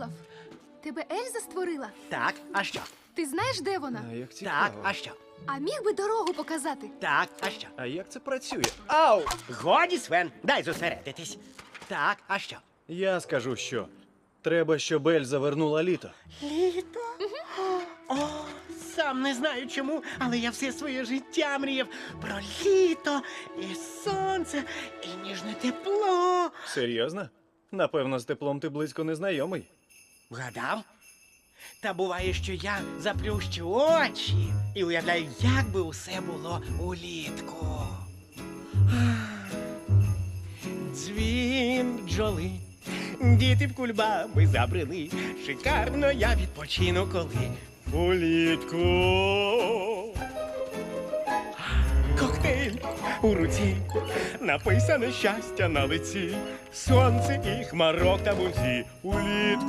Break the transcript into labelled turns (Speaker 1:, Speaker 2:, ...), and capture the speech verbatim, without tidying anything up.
Speaker 1: Олаф, тебе Ельза створила?
Speaker 2: Так, а що?
Speaker 1: Ти знаєш, де вона?
Speaker 3: А як цікаво.
Speaker 2: Так, а що?
Speaker 1: А міг би дорогу показати?
Speaker 2: Так, а що?
Speaker 3: А як це працює? Ау!
Speaker 2: Годі, Свен, дай зосередитись. Так, а що?
Speaker 3: Я скажу, що. Треба, щоб Ельза вернула літо.
Speaker 2: Літо? О, сам не знаю чому, але я все своє життя мріяв про літо і сонце, і ніжне тепло.
Speaker 3: Серйозно? Напевно, з теплом ти близько не знайомий.
Speaker 2: Вгадав? Та буває, що я заплющу очі і уявляю, як би усе було улітку. Дзвін бджоли, діти в кульбаби забрели. Шикарно я відпочину, коли улітку. Коктейль у руці, написане щастя на лиці, сонце і хмарок та бузі улітку.